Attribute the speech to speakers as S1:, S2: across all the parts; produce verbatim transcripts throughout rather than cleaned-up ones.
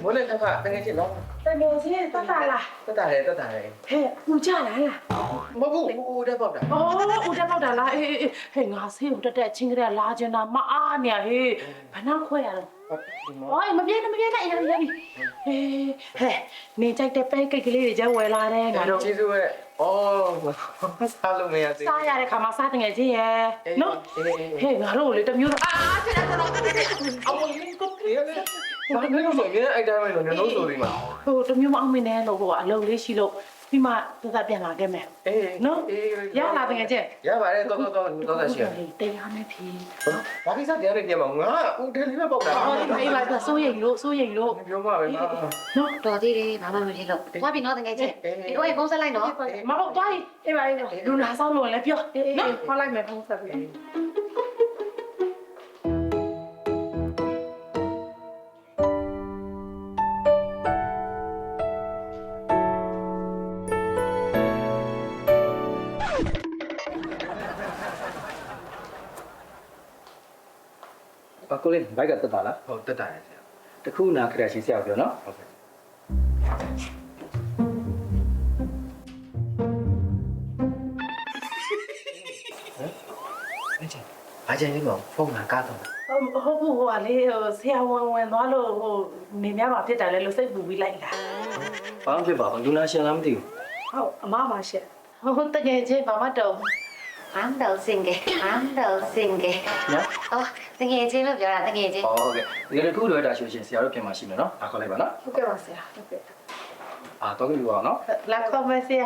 S1: 我来看看，等下去弄。
S2: 等下先，得打啦。
S1: 得打嘞，得打嘞。
S2: 嘿，有家来啦。
S1: မဟုတ်ဘူးဦးတဲ့ပေါက်တာ
S2: 哦，有家ပေါက်တာလားအေးအေးဟဲ့ငါဆေးကိုတက်တက်ချင်းကြတဲ့လာကျင်တာမအားနေဟေးဘယ်နှခွဲရလဲအော်မပြေနဲ့မပြေနဲ့ရရပြီဟေးဟဲ့နေကြိုက်တဲ့ပဲကိတ်ကလေးတွေကျဝယ်လာတယ်ငါတို့
S1: ကျေးဇူးပဲဩစားလို့မရသေး
S2: စားရတဲ့ခါမှာစားတင်ငယ်ချင်းရဲ့နော်ဟဲ့ငါတို့လေတမျိုးအာဆက်ရတော့အမလေးကို
S1: ဘူးဘာလို့ဆိုရင်အဲ့တိုင်းပဲလို့ညလုံးဆိုဒီမှာ
S2: ဟိုတမျိုးမအောင်မင်းနဲ့လို့ဟိုအလုပ်လေးရှိလို့ပြီးမှသက်သက်ပြန်လာခဲ့မယ်
S1: အေး
S2: နော်ရလာတင်ငယ်ချင်း
S1: ရပါတယ်တော့တော့တော့တော့ရှိရ
S2: တရားနဲ့ဖြေ
S1: ဘာကိစ္စတရားတွေပြန်မှာငါဦးတယ်လေးပဲပေါက်တာ
S2: အော်ဒီမေးလိုက်ဆိုးရိမ်လို့ဆိုးရိမ်လို့
S1: ပြောမှာပဲငါ
S2: နော်
S3: တော်သေးတယ်ဘာမှမဖြစ်လို့သွားပြီနော်တကယ်ချင်းဒီတော့ရေဖုန်းဆက်လိုက်နော်
S2: မဟုတ်သွားရင်အေးပါအေးလူနာဆောင်လို့လည်းပြောနော်ခေါ်လိုက်မယ်ဖုန်းဆက်ပြီး
S4: ဘာကိုလေးဘိုက်ကတက်တာလား
S1: ဟုတ်တက်တာလေဆရာ
S4: တခုနာခရရှင်ဆရာပြောနော်
S1: ဟုတ်ကဲ့အချင်းလေးမဖုန်းကကားတော့
S2: ဟုတ်ဘူးဟိုကလေဆရာဝန်ဝင်သွားလို့ဟိုနေများမှာဖြစ်တယ်လေလို့စိတ်ပူပြီးလိုက်လာ
S4: ဘာမှဖြစ်ပါဘူးလူနာရှင်လားမသိဘူး
S2: ဟုတ်အမပါရှက်ဟုတ်တကယ်ချင်းဘာမှတော့
S3: ဟမ်ဒေါ်စင်ကေဟမ်ဒေါ်စင်ကေ
S4: နော်
S3: အော်တကယ်ချင်းလို့ပြောတာတကယ်ချင်း
S4: ဟောဟုတ်ကဲ့ဒီကနေ့ခုလိုရတာရှင်ဆရာတို့ပြင်မှာရှိမယ်နော်အားခေါ်လိုက်ပါနော်
S2: ဟုတ်ကဲ့ပါဆရာဟုတ်ကဲ့
S4: အာတော့ကြည့်ပါအောင်နော်
S2: လာခေါ်မယ်ဆရာ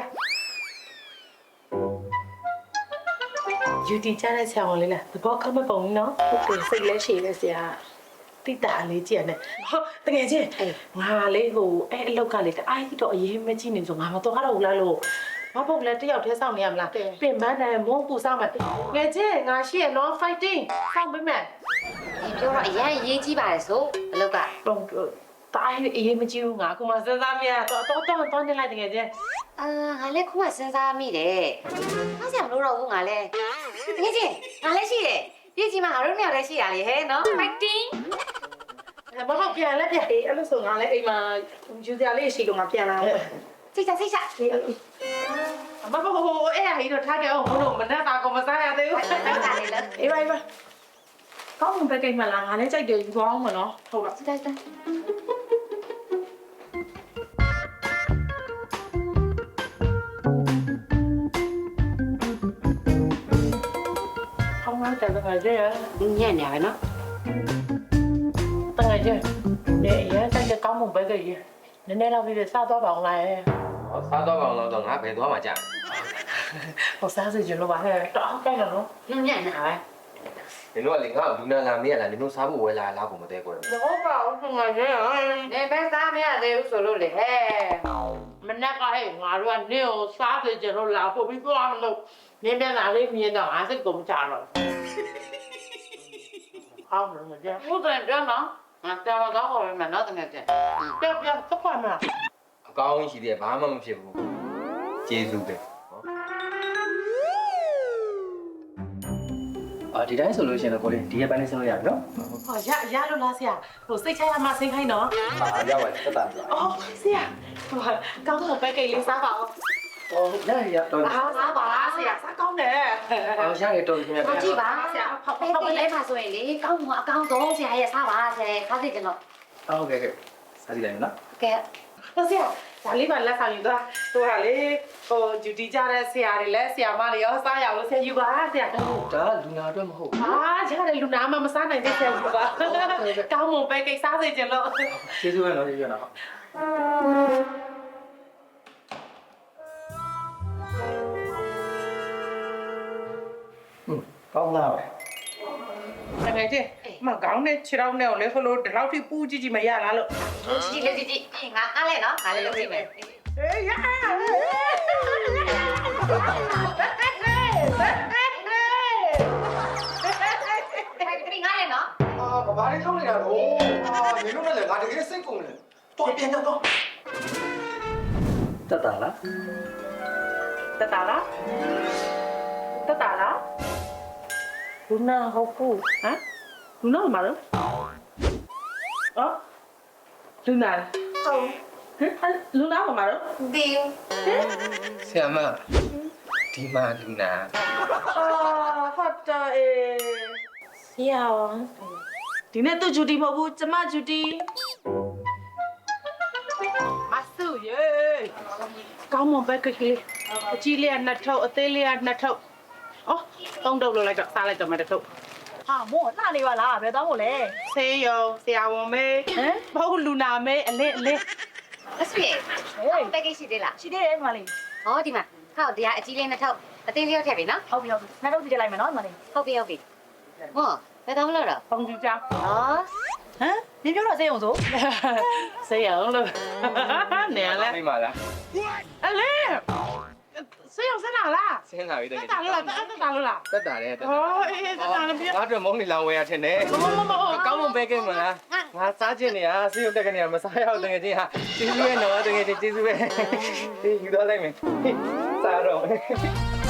S2: ယူတီချတဲ့ဆရာဝန်လေးလားသဘောကောင်းမဲ့ပုံကြီးနော်ဟုတ်တယ်စိတ်လဲရှည်လဲဆရာတိတာလေးကြည့်ရတယ်ဟုတ်တကယ်ချင်းငါလေးဟိုအဲ့အလောက်ကလေတအားကြီးတော့အရေးမကြီးနေဆိုငါမတော့တော့ဘူးလားလို့မဟုတ်လဲတယောက်တည်းစောင့်နေရမလားပြင်ပန်းတယ်မုန်းပူစောင့်မယ်ငယ်ချင်းငါရှိရနော် fighting စောင့်ပေးမယ်
S3: ဒီပြောတော့အရင်ရေးကြီးပါတယ်ဆိုအလောက်က
S2: တော့တိုင်းအရေးမကြီးဘူးငါအခုမှစဉ်းစားမရတော့တော့တော့တော့နေလိုက်တကယ်ချင်း
S3: အာငါလည်းခုမှစဉ်းစားမိတယ်အားစရာမလိုတော့ဘူးငါလည်းတကယ်ချင်းငါလည်းရှိတယ်ပြည်ကြီးမှာငါတို့နှစ်ယောက်လည်းရှိရလေဟဲ့နော် fighting
S2: မဟုတ်ပြန်လဲပြန်အေးအဲ့လိုဆိုငါလည်းအိမ်မှာယူစရာလေးရှိလို့ငါပြန်လာအောင်
S3: စိတ်ချစိတ်ချ
S2: မမဟိုအဲ့အဟိတော့ထားကြအောင်ဘုလို့မနဲ့တာကောမစားရသေးဘူး
S3: အဲ့ဒါလေးလား
S2: အေးပါအေးပါကောင်းမှပဲကိတ်မလားငါလည်းကြိုက်တယ်ယူသွားအောင်မနော်ဟုတ်လား
S3: စိတ်ချ
S2: ကောင်းမှတယ်တကယ်ကြီး
S3: ညံ့နေရနော်
S2: တကယ်ကြီးနေရကြိုက်တဲ့ကောင်းမှပဲကိတ်ကြီးနည်းနည်းတော့ပြီးစားသွားပါအောင်လား
S1: စားတော့ကောင်တော့ငါဘယ်သွားမှကြာ
S2: ဟိုစားစီကျလို့ပါဟဲ့တော့ကြိုက်တယ်နော်
S3: ညံ့ညံ့နေတာပဲ
S1: နင်တို့ကလေငါ့ကိုလူနာလာမေးရလားနင်တို့စားဖို့ဝယ်လာလားကိုမသေးကွယ်
S2: တော့ပါအောင်ငါကြီး
S3: နေပဲစားမရသေးဘူးဆိုလို့လေဟဲ့
S2: မနေ့ကဟဲ့ငါတို့ကနေကိုစားစီကျလို့လာဖို့ပြီးသွားမလို့နင်းပြန်လာလေးမြင်တော့အားစိတ်ကုန်ကြတော့ဟောင်းလို့ကြ
S3: ဟုတ်တယ်ပြောနော်ငါတော်တော့ဟောမယ်နော်တကယ်ချင်း
S2: ပြပြသက်ခွာမလား
S1: အကောင်းရှိသေးတယ်ဘာမှမဖြစ်ဘူးကျေးဇူးပဲ
S4: အာဒီတိုင်းဆိုလို့ရှင်တော့ကိုလေးဒီရက်ပိုင်းလေးဆင်းလို့ရပြီနော်
S2: ဟောရရလို့လားဆရာဟိုစိတ်ချရမှစိတ်ခိုင်းနော်
S4: အာရောက်ပါတက်တာ
S2: အော်ဆရာဟိုကောင်းတော့ပဲကိတ်လေးစားပါအောင်
S4: ဟောရရတော့
S2: အားစားပါဆရာစားကောင်းတယ်
S4: အော်ရရတော့ခင်ဗျာ
S3: ဟောကြည့်ပါဆရာဖောက်ဖောက်လေးပါဆိုရင်လေကောင်းမှာအကောင်းဆုံးဆရာရဲ့စားပါဆရာခါသိကျွန်တော်
S4: ဟုတ်ကဲ့ကဲစားကြည့်လိုက်နော်
S3: ကဲ
S2: ဆရာဒါလေးပါလက်ဆောင်ယူသွားဟိုဟာလေဟိုဂျူတီကြတဲ့ဆရာတွေလည်းဆရာမတွေရောစားရအောင်ဆရာယူပါဆရာ
S4: ဒါလူနာအတွက်မဟုတ်ဘူး
S2: အာရတယ်လူနာမမစားနိုင်တဲ့ဆရာယူပါကောင်းမွန်ပဲကိတ်စားစေချင်လို့
S4: ကျေးဇူးပဲနော်ကျေးဇူးနော်ကောင်းလားပဲ
S2: တကယ်ချင်းမကောင်းတဲ့ခြေထောက်နဲ့ကိုလေဟိုလိုဒီလောက်ထိပူးကြည့်ကြည့်မရလားလို့
S3: ကြည့်လေကြည့်ကြည့်ငါအားလဲနော်ငါလည်းလုပ်ကြည့်မယ်
S2: အေးရ
S3: ဖိုက်ပြီးငါလည်းနော်
S1: အာဘာလေးထုတ်နေတာတော့အာနင်တို့လည်းငါတကယ်စိတ်ကုန်တယ်တော့ပြန်တော့
S4: တက်တာလား
S2: တတလားတတလားလူနာဟုတ်ဘူးဟမ်လူနာမလားအော်လူနာ
S3: ဟုတ်
S2: ဟမ်လူနာပါမတော့
S3: ဒီ
S5: ဆရာမဒီမှာလူနာ
S2: အာဟုတ်တယ်အေးဆရာဒီနေ့သူဂျူတီမဟုတ်ဘူးကျမဂျူတီမဆူယေကောင်းမွန်ပဲကလေးအကြီးလေးကနှစ်ထုပ်အသေးလေးကနှစ်ထုပ်အော်သုံးထုပ်လို့လိုက်တော့စားလိုက်တော့မှတစ်ထုပ်
S6: ဟာမောလှနေပါလားဘယ်သွားမို့လဲ
S2: ဆေးရုံဆရာဝန်မေးဟမ်မဟုတ်လူနာမေးအလေးအလေး
S3: အဆွေဟိုပက်ကရှိသေးလား
S6: ရှိသေးတယ်ဒီမလေး
S3: ဟောဒီမှာဟောတရားအကြီးလေးနှစ်ထုပ်အသေးလေးရောက်ထည့်ပြီနော်
S6: ဟုတ်ပြီဟုတ်ပြီနှစ်တော့ကြည့်လိုက်မယ်နော်ဒီမလေး
S3: ဟုတ်ပြီဟုတ်ပြီဟောဘယ်တော့မလို့တော့
S2: ပုံကြည့်ကြ
S3: ဟော
S6: ဟမ်နင်ပြောတော့စေအောင်ဆို
S2: ဆေးရုံလို့နေလဲ
S5: သိမှာလား
S2: အလေးဆေးရုံဆက်လာလား
S5: ဆင်းလာပြီတ
S2: တ
S5: ကယ်
S2: က်တာလို့လားတက်တာလို့လား
S5: တက်တာလေတက်
S2: ဟောအေးတက်တာလည်းပြ
S5: ငါတို့မုန်းနေလောင်ဝဲရထင်တယ်
S2: မမမ
S5: ကောင်းမွန်ပဲကဲမလားငါစားခြင်းနေရဆေးရုံတက်ကနေမစားရအောင်တကယ်ချင်းဟာကျေးဇူးရဲ့နော်တကယ်ချင်းကျေးဇူးပဲဒီယူတော့လိုက်မယ်စားတော့